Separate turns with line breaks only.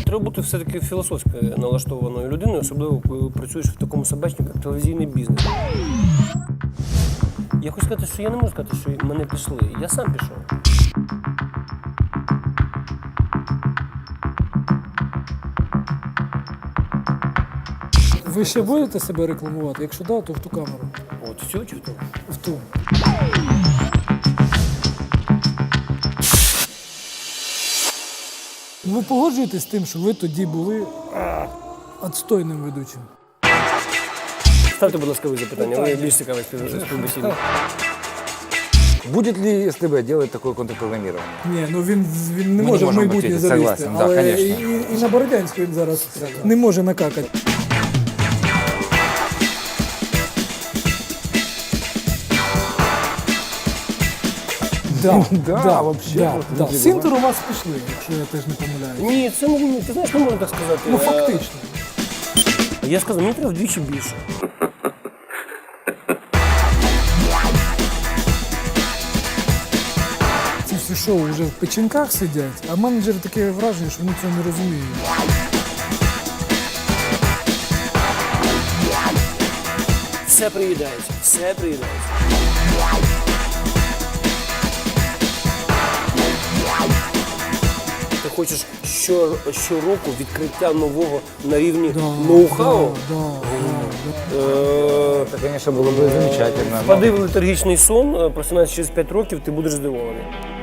треба бути все-таки філософськи налаштованою людиною, особливо коли працюєш в такому собачнику, як телевізійний бізнес. Я хочу сказати, що я не можу сказати, що мене пішли. Я сам пішов.
Ви ще будете себе рекламувати? Якщо так, то в ту камеру.
От всю чи хто?
В ту. Ви погоджуєтесь з тим, що ви тоді були відстойним ведучим?
Ставте, будь ласка, ви запитання. Ви більш цікаві співбесідник.
Будет ли СТБ делать такое контрпрограммирование?
Ні, ну він не
Ми
може
не
в
можемо
майбутнє
бути,
залізти.
согласен, да,
Але
конечно.
і на Бородянську він зараз не може накакати.
Да, вообще просто
Да.
люди
Синтер у вас пішли, якщо я теж не помиляюсь.
Ні, це не, ти знаєш, не можна так сказати.
Ну фактично.
Я сказав, мені треба вдвічі більше.
Ці всі шоу вже в печінках сидять, а менеджери таке враження, що вони цього не розуміють.
Все приїдається, все приїдається. Ти хочеш щороку відкриття нового на рівні ноу-хау?
Это, конечно, было бы замечательно.
Впади в летаргічний сон, просинаєшся через 5 років, ти будеш здивований.